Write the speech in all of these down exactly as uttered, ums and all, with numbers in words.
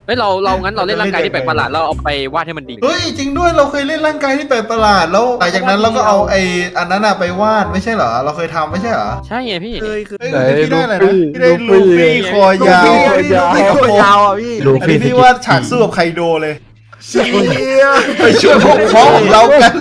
ฮ้ยเราเรางั้นเราเล่นร่างกายที่แปลกประหลาดเราเอาไปวาดให้มันดีเฮ้ยจริงด้วยเราเคยเล่นร่างกายที่แปลกประหลาดแล้วหลังจากนั้นเราก็เอาไอ้อันนั้นอะไปวาดไม่ใช่เหรอเราเคยทำไม่ใช่เหรอใช่ไงพี่เคยคือเฮ้ยพี่ได้อะไรนะพี่ได้ลูฟี่คอยาวลูฟี่คอยาวอ่ะพี่อันนี้พี่ว่าฉากสู้กับไคโดเลยไปช่วยพวกพ้องของเรากัน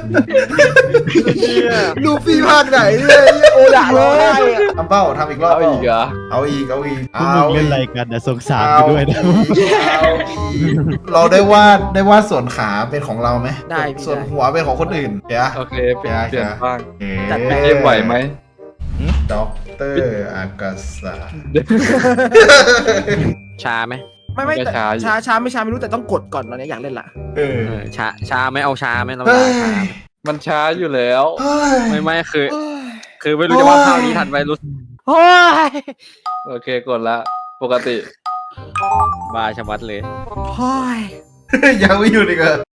ลูฟี่ภาคไหนเนี่ยโอดะเลยทำเป้าทำอีกรอบเอาอีกเหรอเอาอีกเอาอีกพวกมึงเล่นอะไรกันนะสงสารกูด้วยนะเอาอีกเราได้วาดได้วาดส่วนขาเป็นของเราไหมได้พี่ส่วนหัวเป็นของคนอื่นเดี๋ยวโอเคเปลี่ยนเปลี่ยนบ้างจัดไปเกมไหวไหมด็อกเตอร์อากาศาชาไหมไม่ไม่แต่ช้าช้าไม่ช้าไม่รู้แต่ต้องกดก่อนตอนนี้อยากเล่นละเออเออชาชาไหมเอาชาไหมเราเฮ้ยชาไหมมันช้าอยู่แล้วเฮ้ยไม่ไม่คือ คือไม่รู้จะวาดภาพนี้ทันไปรู้โอ้ยโอเคกดละปกติบาชะมัดเลยโอ้ยยังไม่หยุดอีกเหรอ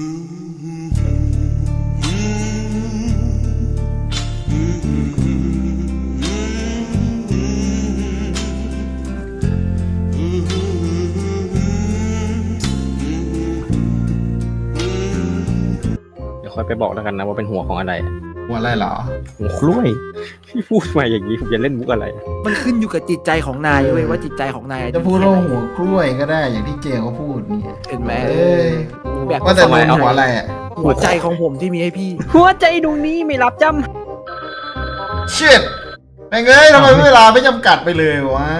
เดี๋ยวค่อยไปบอกแล้วกันนะว่าเป็นหัวของอะไรหัวอะไรเหรอหัวกล้วยพี่พูดมาอย่างนี้ผมจะเล่นมุกอะไรมันขึ้นอยู่กับจิตใจของนายเว้ยว่าจิตใจของนายจะพูดว่าหัวกล้วยก็ได้อย่างที่เจเขาพูดเนี่ยเห็นไหมเอ้ยแบบว่าแต่ลงหัวอะไรอ่ะหัวใจของผมที่มีให้พี่หัวใจดวงนี้ไม่รับจเชิดแม่งเอ้ยทำไมเวลาไม่จำกัดไปเลยวะ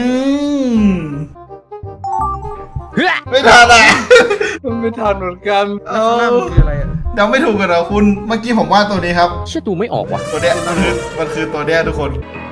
ำเฮ้ยไม่ทันอ่ะมันไม่ทันเหมือนกันเอ้าหน้ามันคืออะไรอ่ะเดาไม่ถูกกันเหรอคุณเมื่อกี้ผมว่าตัวนี้ครับเชื่อดูไม่ออกว่ะตัวเนี้ยมันคือมันคือตัวเนี้ยทุกคน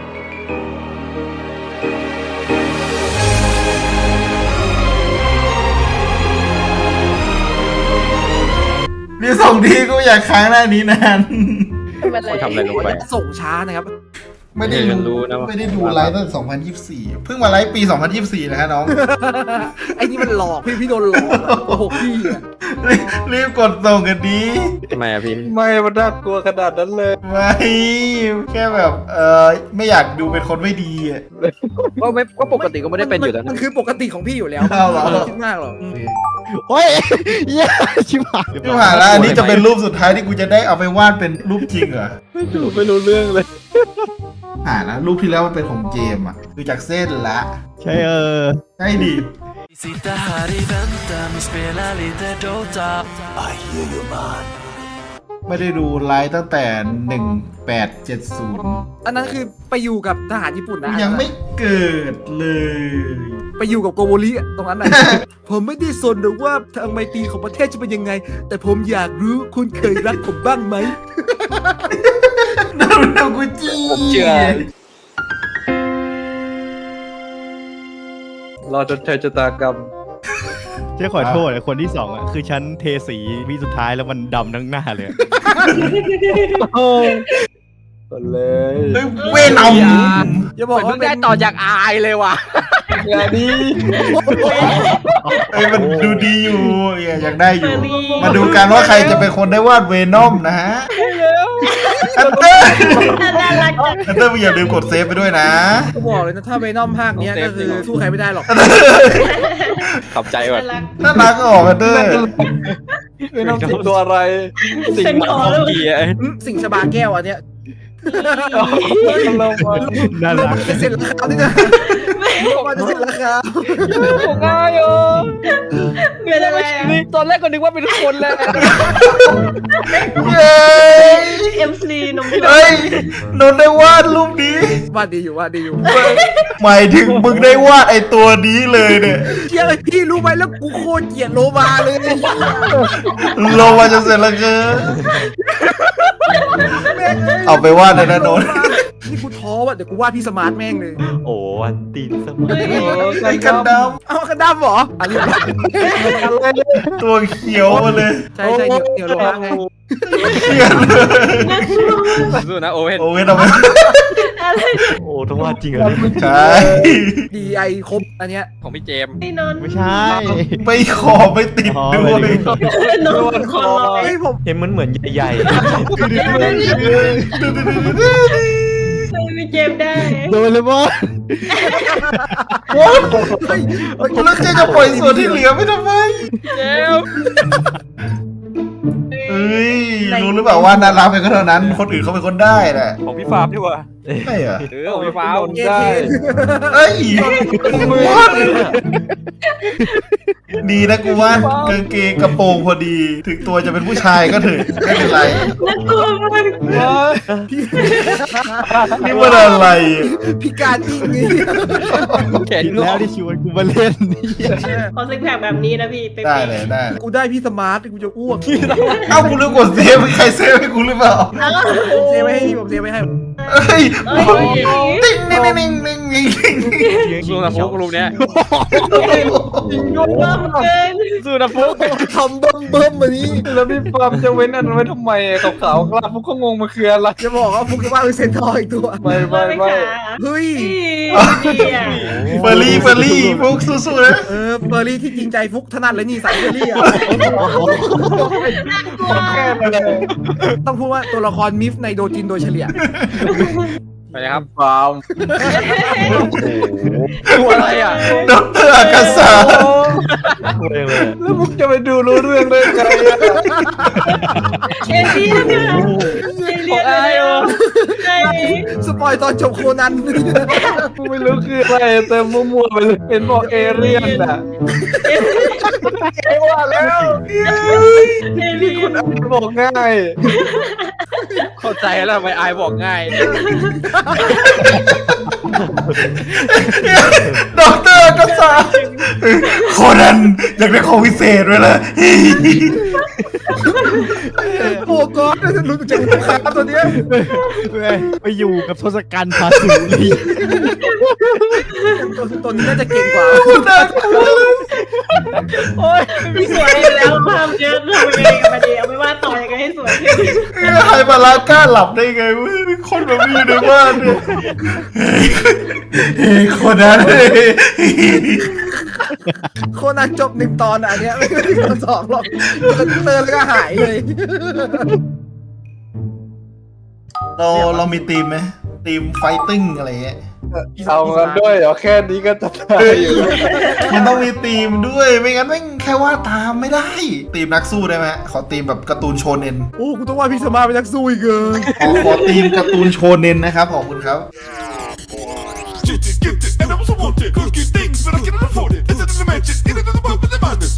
นี่ส่งทีก็อยากค้างหน้านี้นานเขาทำอะไรลงไปส่งช้านะครับไม่ได้เออฉันรู้ดูนะว่าไม่ได้ดูไลฟ์ตั้งสองพันยี่สิบสี่เพิ่งมาไลฟ์ปีสองพันยี่สิบสี่นะฮะน้องไอ้นี่มันหลอกพี่พี่โดนหลอกอะโอ้โหพี่อะรีบรีบกดส่งกันดีทำไมอะพี่ไม่มันน่ากลัวขนาดนั้นเลยไม่แค่แบบเออไม่อยากดูเป็นคนไม่ดีอ่ะก็ไม่ก็ปกติก็ไม่ได้เป็นอยู่แล้วมันนะคือปกติของพี่อยู่แล้วเอาเหรอไม่ต้องคิดมากหรอกโอ้ยเหี้ยชิบหายที่ผ่านแล้วอันนี้จะเป็นรูปสุดท้ายที่กูจะได้เอาไปวาดเป็นรูปจริงเหรอไม่รู้ไม่รู้เรื่องเลยอ่านะรูปที่แล้วมันเป็นของเจมส์อ่ะคือจากเส้นละใช่เออใช่ดิ Sitta här i väntan och spela lite Dota I hear you man ไม่ได้ดูไลฟ์ตั้งแต่หนึ่งแปดเจ็ดศูนย์อันนั้นคือไปอยู่กับทหารญี่ปุ่นนะยังไม่เกิดเลยไปอยู่กับโกโบริอะตรงนั้นนะ ผมไม่ได้สนหรอกว่าทางไมตรีของประเทศจะเป็นยังไง แต่ผมอยากรู้คุณเคยรักผมบ้างไหมนั่นเป็นกูจีผมเชื่อ รอจนเธอชะตากรรมเจ๊ขอโทษนะคนที่สองอ่ะคือฉันเทสีวิสุดท้ายแล้วมันดำทั้งหน้าเลยก็เลยเฮ้ยเวนอมอย่าบบออก กว่าว่าเป็ได้นต่อจากอายเลยว่ะงานนี้เอ้ยมันดูดีอยู่อยากได้อยู่ มาดูกันว่าใครจะเป็นคนได้วาดเวนอมนะฮะอันเตอร์อันเตอร์มึงอย่าลืมกดเซฟไปด้วยนะก็บอกเลยนะถ้าเวนอมภาคเนี้ยก็คือสู้ใครไม่ได้หรอกขอบใจว่ะน่ารักก็ออกอันเตอร์ไม่ต้องติดตัวอะไรสิ่งหมาของเกียร์อืมสิ่งชบาแก้วอันเนี้ยเรามาน่าเรารักจะเสร็จราคาที่จะเราจะเสร็จราคาผมง่ายอ่ะเป็นอะไรอ่ะนี่ตอนแรกก็นึกว่าเป็นคนแหละเย้เอ็มซีนมที่แบบเฮ้ยนนท์ได้วาดรูปนี้วาดดีอยู่วาดดีอยู่หมายถึงมึงได้วาดไอตัวนี้เลยเนี่ยเกลียดพี่รู้ไหมแล้วกูโคตรเกลียดโลมาเลยลงมาจะเสร็จแล้วเกินเอาไปวาดเลยนะนนท์นี่กูท้อว่ะเดี๋ยวกูวาดพี่สมาร์ทแม่งเลยโอ้วันตีนสมัยไอ้กันดเอากระดำเหรออันนี้ำตัวเขียวมาเลยใช่ใช่เดี๋ยวเดี๋ยวโลมาไงเขียวเลยสู้นะโอเว่นโอ้ยทำไมอะไรโอ้ต้องว่าจริงเหรอใช่ดีไอครบอันเนี้ยของพี่เจมส์ไอ้นนท์ไม่ใช่ไม่ขอไม่ติดด้วยนนท์คนลอยเฮ้ยผมเห็นมันเหมือนใหญ่นพี่เจมส์ได้โดนเลยบอสโอ้แล้วเจ๊จะปล่อยส่วนที่เหลือไม่ทำไมเจมส์เฮ้ยรู้หรือเปล่าว่าน่ารักไปก็เท่านั้นคนอื่นเขาเป็นคนได้แหละของพี่ฟาร์มดีกว่าใช่เหรอเออของพี่ฟาร์มเอได้เคเอ้ยดีนะกูว่ากางเกงกระโปรงพอดี ถึงตัวจะเป็นผู้ชายก็เถอะไม่เป็นไรน่ากลัวมากนี่ว่าอะไรพิการจริงนี่แขนผิดงอแล้วกที่ชวนกูมาเล่นนี่ขอซิกแพคแบบนี้นะพี่เป๊ะได้เลยได้เลยกูได้พี่สมาร์ทกูจะอ้วกเอ้ากูลืมกดเซฟใครเซฟให้กูหรือเปล่าผมเซฟไว้ให้พี่ผมเซฟไว้ให้เอ้ยเอ้ยติ๊งนิ่งนิ่งนิ่งนิ่งนิ่งสู้นะฟุกรูปเนี้ยเริ่มเกินสู้นะฟุกทำเบิ่มเบิ่มมานี้แล้วพี่ปาล์มจะเว้นอันนั้นไว้ทำไมขาวขาวกล้าพวกเขางงมาคืออะไรจะบอกว่าฟุกว่าเป็นเซนทอร์อีกตัวไม่ไม่ไม่เฮ้ยดีอ่ะเฟอร์รี่เฟอร์รี่พวกสู้ๆนะเออเบอร์รี่ที่จริงใจฟุกถนัดเลยนี่สายเบอร์รี่อ่ะแค่นั้นเลยต้องพูดว่าตัวละครมิฟในโดจินโดยเฉลี่ยไปเลยครับปาล์มตัวอะไรอ่ะด็อกเตอร์อากาศาแล้วมุกจะไปดูรู้เรื่องได้ไงอะเอเลี่ยนอ่ะเอเลี่ยนอะไรอ่ะใช่สปอยตอนจบโคนันกูไม่รู้คืออะไรแต่มั่วๆไปเลยเป็นบอกเอเลี่ยนอ่ะไอ้ว่าแล้วเอเลี่ยนบอกง่ายเข้าใจแล้วทำไมอายบอกง่ายด็อกเตอร์อากาศาโคนันอยากได้ของพิเศษด้วยล่ะโอ้กอดจะรู้จักลูกค้าตัวเนี้ยไปอยู่กับทศกัณฐ์พาสุรีตัวตัวนี้น่าจะเก่งกว่าโอ้ยไม่สวยแล้วภาพเยอะทำยังไงกันมาดีเอาไม่ว่าต่อยังไงให้สวยขึ้นไฮบาลากล้าหลับได้ไงวะมีคนแบบนี้อยู่ในบ้านเนี่ยเฮ้ยโคนันโคนันจบหนึ่งตอนอ่ะอันเนี้ยไม่ได้ตอนสองหรอกเตือนแล้วก็หายเลยเราเรามีทีมไหมทีมไฟติ้งอะไรเงี้ยเอากันด้วยเหรอแค่นี้ก็จะได้อยู่มันต้องมีทีมด้วยไม่งั้นไม่งแค่ว่าตามไม่ได้ทีมนักสู้ได้ไหมขอทีมแบบการ์ตูนโชเน็นโอ้กูต้องว่าพี่สมาร์ทเป็นนักสู้อีกเกินขอขอทีมการ์ตูนโชเน็นนะครับขอบคุณครับ Get it, get it, and I also want it. Cookie things, but I cannot afford it. This is the magic, it is the world, but the madness.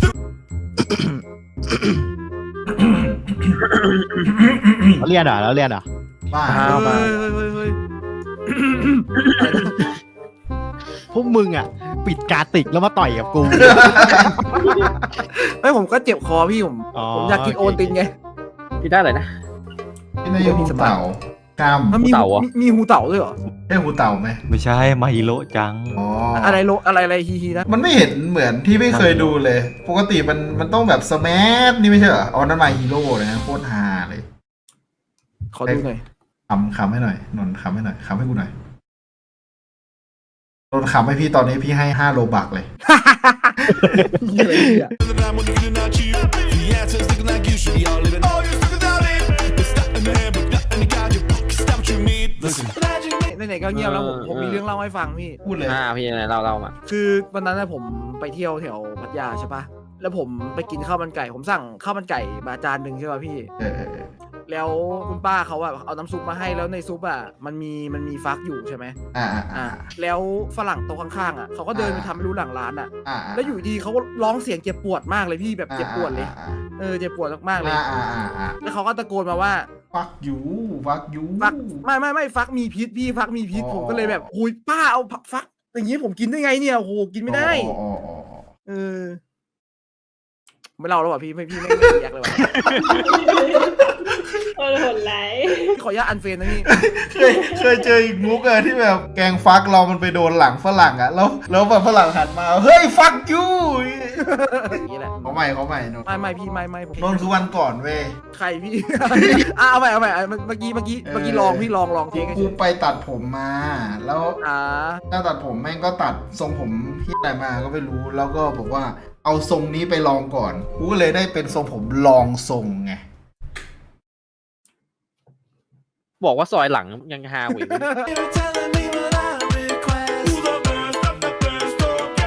เราเรียนอ่ะเราเรียนอ่ะบ้าเฮ้ยเฮ้ยเฮ้ยพวกมึงอ่ะ ปิดการติกแล้วมาต่อยกับกูไม่ผมก็เจ็บคอพี่ผมอ๋อผมอยากกินโอนตินไงพี่ได้เลยนะที่นายหูเต่ากล้ามมันมีหูเต่าเหรอมีมีหูเต่าด้วยเหรอได้หูเต่าไหมไม่ใช่มาฮิโร่จังอ๋ออะไรโลอะไรอะไรฮีฮีนะมันไม่เห็นเหมือนที่ไม่เคยดูเลย ปกติมันมันต้องแบบสแมันี่ไม่ใช่เหรออ๋อนั่นมาฮีโร่เลยนะโคตรฮาเลยขอดูหน่อยคำคำให้หน่อยนนท์คำให้หน่อยคำให้กูหน่อยนนท์คำให้พี่ตอนนี้พี่ให้ห้าโลบักเลยอะไรเนี่ย The man when you're feeling not cheap. The answer's looking like you should be all living. All you're stuck without it. It's not in the head, but not in the god. You stop what you need. Listen. ไหนๆก็เงียบแล้วผมผมมีเรื่องเล่าให้ฟังพี่พูดเลยอ่าพี่ไหนเราเรามาคือวันนั้นนะผมไปเที่ยวแถวพัทยาใช่ปะแล้วผมไปกินข้าวมันไก่ ผมสั่งข้าวมันไก่มาจานหนึ่งใช่ป่ะพี่เออเออเออแล้วคุณป้าเขาอะเอาน้ำซุปมาให้แล้วในซุปอะมันมีมันมีฟักอยู่ใช่ไหมอ่าอ่าอ่า แล้วฝรั่งโต๊ะข้างๆอะเขาก็เดินไปทำไม่รู้หลังร้านอะอ่าแล้วอยู่ดีเขาก็ร้องเสียงเจ็บปวดมากเลยพี่แบบเจ็บปวดเลย เออเจ็บปวดมากๆเลยอ่าอ่าอ่าอ่าแล้วเขาก็ตะโกนมาว่าฟักยูฟักยูฟักไม่ไม่ไม่ฟักมีพิษพี่ฟักมีพิษอ๋อผมก็เลยแบบหุยป้าเอาฟักอย่างนี้ผมกินได้ไงเนี่ยโอ้โหกินไม่ได้อ๋ออ๋ออ๋ออ๋อเออไม่เล่าแล้วว่ะพี่ไม่พี่ไม่ไม่อยากเลยว่ะโอ้โหไหลขออนุญาตอันเฟรนนะพี่เคยเคยเจออีกมุกอะที่แบบแกงฟักเรามันไปโดนหลังฝรั่งอะแล้วแล้วแบบฝรั่งหันมาเฮ้ยฟักยูอย่างนี้แหละเขาใหม่เขาใหม่นนท์ไม่ไม่พี่ไม่ไม่ผมนนท์คือวันก่อนเว้ยใครพี่ อ่ะเอาใหม่เอาใหม่เอาเมื่อกี้เมื่อกี้เมื่อกี้ลองพี่ลองลองเทกูคให้กูเฉยไปตัดผมมา แล้วอ่าถ้าตัดผมแม่งก็ตัดทรงผมที่ไหนมาก็ไม่รู้ แล้วก็บอกว่าเอาทรงนี้ไปลองก่อน กูก็เลยได้เป็นทรงผมลองทรงไงบอกว่าซอยหลังยังฮาหวย You're telling me what I request. Who's the best of the best?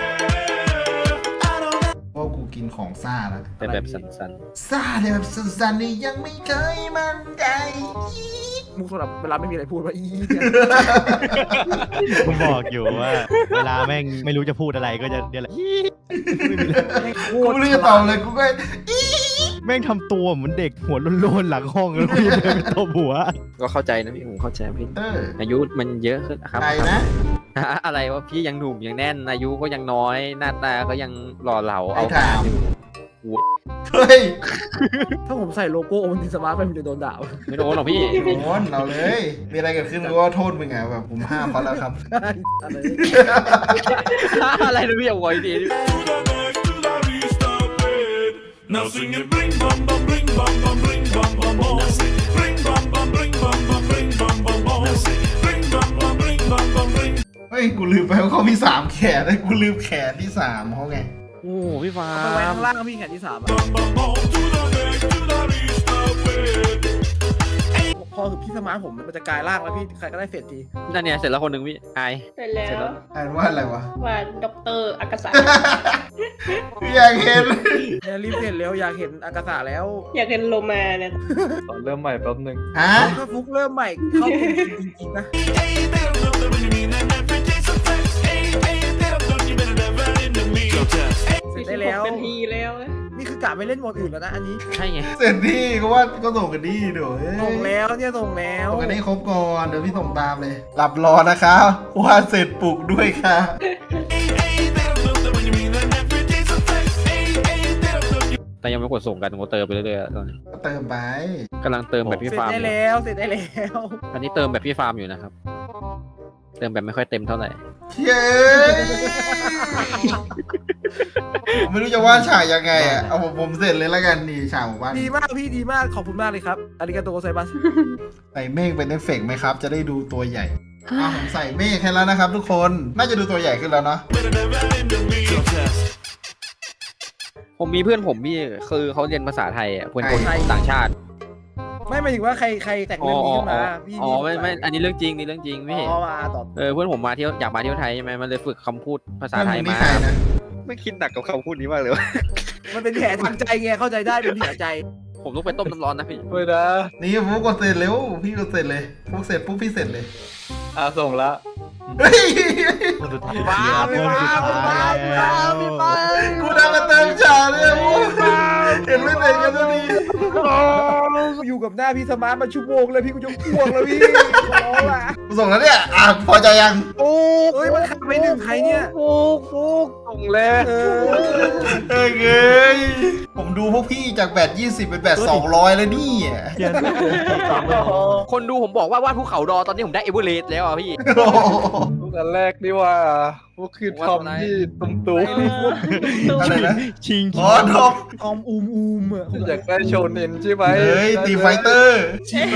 Okay. I don't know. เพราะกูกินของซ่าแล้วแต่แบบสันซ่าเนี่ยแบบสั้นๆนี่ยังไม่เคยมันใจมุกสำหรับเวลาไม่มีอะไรพูดว่าอีเนี่ยผมบอกอยู่ว่า เวลาแม่งไม่รู้จะพูดอะไรก็จะเนี่ยแหละกูไม่รู้จะตอบเลยกูก็แม่งทำตัวเหมือนเด็กหัวโลนๆหลังห้องแล้วพี่เดินไปตบหัวๆก็เข้าใจนะพี่ผมเข้าใจพี่เอออายุมันเยอะขึ้นครับใครนะอะไรว่าพี่ยังหนุ่มยังแน่นอายุก็ยังน้อยหน้าตาก็ยังหล่อเหลาไอ้เอาถามอยู่เฮ้ยถ้าผมใส่โลโก้โอวันตินสมาร์ทไปผมจะโดนด่าไม่โดนหรอกพี่โดนเราเลย มีอะไรเกิดขึ้นก็โทษมึงไงแบบผมห้ามเขาแล้วครับอะไรอะไรนะพี่เอาไว้ดี To the next, to the least of it. Now sing it, bring bum bum, bring bum bum, bring bum bum bum. Bring bum bum, bring bum bum, bring bum bum bum. Bring bum bum, bring bum bum, bring. เฮ้ยกูลืมไปว่าเขามีสามแขนเลยกูลืมแขนที่สามเขาไงโอ้พี่ฟ้าเอาไปไว้ข้างล่างพี่แขนที่สามอะ Bum bum bum. To the next, to the least of it. พอคือพี่สมาร์ทผมมันจะกลายร่างแล้วพี่ใครก็ได้เฟดทีนั่นเนี่ยเสร็จแล้วคนหนึ่งพี่ไอเสร็จแล้วอ่านว่าอะไรวะว่าด็อกเตอร์อากาศะอยากเห็นเนี่ยรีบเฟดเร็วอยากเห็นอากาศะแล้วอยากเห็นโลมาเนี่ยตอนเริ่มใหม่แป๊บนึงฮะถ้าฟุกเริ่มใหม่เข้าจริงๆนะ Hey, they don't know that when you mean and every day's a flex. Hey, hey, they don't know you better never into me. Go test. เสร็จได้แล้วเป็นทีแล้วนะนี่คือกะไปเล่นโหมดอื่นแล้วนะอันนี้ใช่ไงเสร็จที่ก็ว่าก็ส่งกันดีเดี๋ยวเอ้ยส่งแล้วเนี่ยส่งแล้วส่งกันได้ครบก่อนเดี๋ยวพี่ส่งตามเลย หลับรอนะครับว่าเสร็จปลุกด้วยค่ะ Hey, hey, they don't know that when you mean and every day's a flex. Hey, hey, they don't know you. แต่ยังไม่กดส่งกันผมก็เติมไปเรื่อยๆตอนนี้ก็เติมไปกำลังเติมแบบพี่เสร็จฟาร์มได้อยู่แล้วเสร็จได้แล้วอันนี้เติมแบบพี่ฟาร์มอยู่นะครับ เติมแบบไม่ค่อยเต็มเท่าไหร่เย้ผมไม่รู้จะวาดฉากยังไงอ่ะเอาผมผมเสร็จเลยแล้วกันนี่ฉากของบ้านดีมากพี่ดีมากขอบคุณมากเลยครับอาริกาโตไซบัสใส่เมฆเป็นเอฟเฟกต์ไหมครับ จะได้ดูตัวใหญ่อ่ะผมใส่เมฆให้แล้วนะครับทุกคนน่าจะดูตัวใหญ่ขึ้นแล้วเนาะ Better never into me. Go test. ผมมีเพื่อนผมพี่คือเขาเรียนภาษาไทยอ่ะเพื่อนคนต่างชาติไม่หมายถึงว่าใครใครแต่งอ๋อเรื่องนี้อ๋อขึ้นมาพี่อ๋อไม่ไม่อันนี้เรื่องจริงนี่เรื่องจริงพี่อ๋อมาต่อเออเพื่อนผมมาเที่ยวอยากมาเที่ยวไทยใช่ไหมมันเลยฝึกคำพูดภาษาเพื่อนไทมึยงนี่มาใครนะไม่คิดหนักกับคำพูดนี้มากเลยมันเป็นแผลทางใจไงเข้าใจได้เป็นแผลใจผมต้องไปต้มน้ำร้อนนะพี่เฮ้ยนะนี่ฟุกกดเสร็จเร็วพี่กดเสร็จเลยฟุกเสร็จปุ๊บพี่เสร็จเลยอ่ะส่งละเฮ้ยคนสุดท้ายว้าวคนสุดท้ายว้าวว้าวพี่ปากูได้มาเติมฉากเลยฟุกเห็นไม่เสร็จกันสักทีอยู่กับหน้าพี่สมาร์ทมาชั่วโมงเลยพี่กูจะอ้วกแล้วพี่ขอร้องละกูส่งแล้วเนี่ยอ่ะพอใจยังโอ้เอ้ยมันขาดไปหนึ่งใครเนี่ยฟุกฟุกส่งเลยเออเอ้ยเอ้ยผมดูพวกพี่จากแบตยี่สิบเป็นแบตสองร้อยแล้วนี่อ่ะเขียนไม่ถูกสามเลยคนดูผมบอกว่าวาดภูเขาดอตอนนี้ผมได้เอเวอเรสต์แล้วอ่ะพี่โอ้โหฟุกอันแรกนี่ว่าฟุกคือทอมที่ตุ้มตุ้มอะไรนะชิงอ๋อทอมออมอูมอูมอ่ะอยากได้โชว์เน้นใช่ไหมเฮ้ยตีไฟเตอร์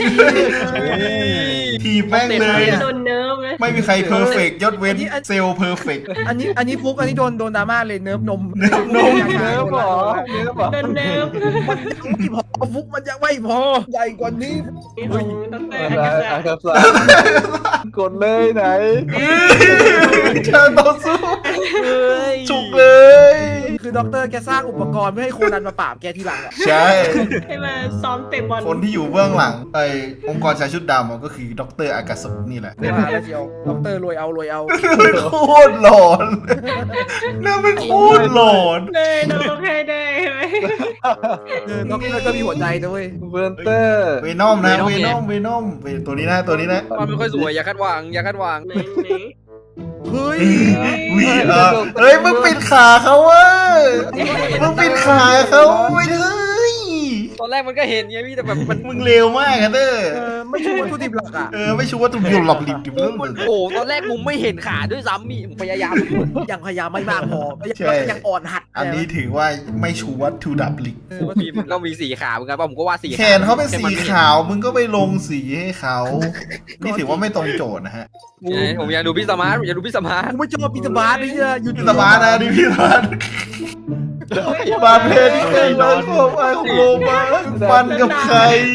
ทีบแม่งเลยโดนเนิร์ฟไหมไม่มีใครเพอร์เฟกยศเว้นเซลล์เพอร์เฟกอันนี้อันนี้ฟุกอันนี้โดนโดนดราม่าเลยเนิร์ฟนมเนิร์ฟนมเนื้อหรอเนื้อหรอโดนเนิร์ฟมันยังไม่พอฟุกมันยังไม่พอใหญ่กว่านี้ของด็อกเตอร์อะอากาไรศะอาคาซากดเลยไหนเชิญต่อสู้จุกเลยคือด็อกเตอร์แกสร้างอุปกรณ์เพื่อให้โคนันมาปราบแกทีหลังอ่ะใช่ให้มาซ้อมเตะบอลคนที่อยู่เบื้องหลังไอ้องค์กรชายชุดดำอะก็คือดรอากาศนี่แหละมาแล้วเชียวด็อกเตอร์รวยเอารวยเอาโคตรหลอนน่าเป็นโคตรหลอนเลยน้องให้ได้ไหมเออด็อกเตอร์ก็มีหัวใจด้วยเวนเตอร์เวนอมนะเวนอมเวนอมตัวนี้นะตัวนี้นะมันไม่ค่อยสวยอย่าคาดหวังอย่าคาดหวังไหนไหนเฮ้ยวีเออเฮ้ยมึงปิดขาเขาเว้ยมึงปิดขาเขาไม่ได้ตอนแรกมันก็เห็นไงพี่แต่แบบมันมึงเร็วมากอะเด้อเออไม่ใช่วัตถุดิบหลักอ่ะเออไม่ชัวร์ว่าตุ่มหลับหลิบดิบเรื่องมันโอ้ตอนแรกมุมไม่เห็นขาด้วยซ้ำพี่ผมพยายามยังพยายามไม่มากพอใช่ยังอ่อนหัดอันนี้ถือว่าไม่ชัวร์ทูดับลิกเออมีมันต้องมีสีขาเหมือนกันป่ะผมก็ว่าสีแขนเขาเป็นสีขาว มึงก็ไปลงสีให้เขา นี่ถือว่าไม่ตรงโจทย์นะฮะผมอยากดูพี่สมาร์ทผมอยากดูพี่สมาร์ทกูไม่ชอบปีตาบาร์นี่เนี่ยหยุดพี่สมาร์ทนะนี่พี่สมาร์ทบาดเพลที่เคยร้องของไอ้ของโลมาฟันกับใคร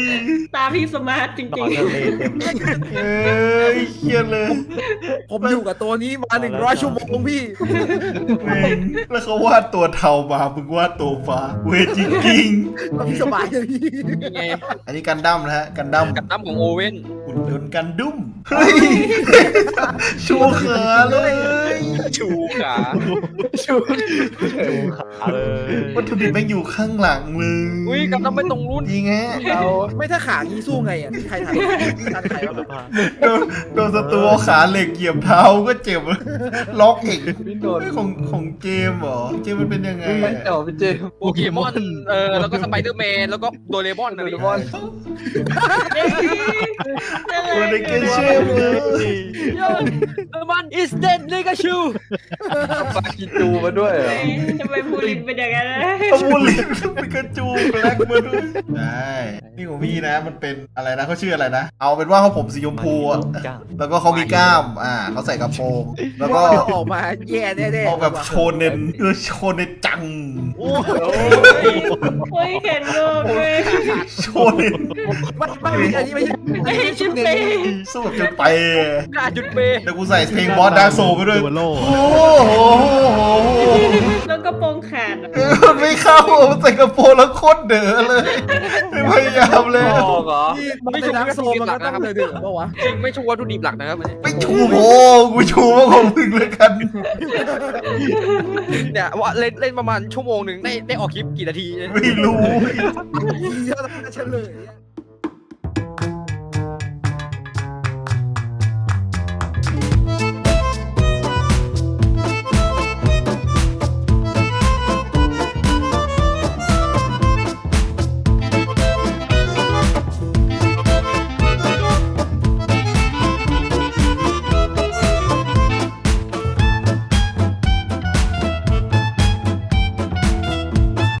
ตาพี่สมาร์ทจนอรินงทะเลเต็มเอ้ยเครียดเลยผมอยู่กับตัวนี้มาหนึ่งร้อยชั่วโมงพี่แม่งแล้วเขาวาดตัวเทามามึงวาดตัวฟ้าเวจริงเราพี่สบายเลยพี่นี่ไงๆอันนี้กันดั้มนะฮะกันดั้มกับน้ำของโอเว่นอุ่นยนต์กันดุ้มเฮ้ยชูขาเลยชูขาชูขาเลยวัตถุดิบแม่งอยู่ข้างหลังเลยอุ้ยกับน้ำไม่ตรงรุ่นจริงแฮะเราไม่ถ้าขางี้สู้ไงอ่ะใครทำทันใครบ้างอะโดนโดนศัตรูเอาขาเหล็กเหยียบเท้าก็เจ็บล็อกอีกพี่นนท์เฮ้ยของของเจมส์เหรอเจมส์มันเป็นยังไงไม่อะเจ้าพี่เจมส์โปเกมอนเออแล้วก็สไปเดอร์แมนแล้วก็โดเรมอนอะไรโดเรมอนตัวในเกมเชื่อมเลยโดเรมอน is dead เลยก็ชูปากิจูมาด้วยเหรอทำไมบูลินเป็นอย่างนั้นเอาบูลลินปิกาจูแบล็กมาด้วยได้นี่ของพี่นะมันเป็นอะไรนะเขาชื่ออะไรนะ เอาเป็นว่าเขาผมสีชมพูอะแล้วก็เขามีกล้ามอ่าเขาใส่กระโปรงแล้วก็เดี๋ยวออกมาแย่แน่ๆออกแบบโชเนนเออโชเนนจังโอ้ยเห็นโลกเลยโชเนนไม่ไม่ไม่อันนี้ไม่ใช่ไม่ให้ชุดเปย์สู้แบบจนไปกล้าจุดเปเดี๋ยวกูใส่เพลงบอสดาร์กโซไปด้วยตัวโล่โอ้โหแล้วก็โปรงขาดเออมันไม่เข้ามันใส่กระโปรงแล้วโคตรเด๋อเลยไม่พยายามเลยออกเหรอที่มันเป็นนักโซมันก็ต้องเดือดๆปะวะจริงไม่ชูวัตถุดิบหลักนะครับไม่ชูโอ้กูชูว่าของมึงเลยกันเนี่ยว่าเล่นเล่นประมาณชั่วโมงหนึ่งได้ได้ออกคลิปกี่นาทีไม่รู้เยอะต้องเฉลย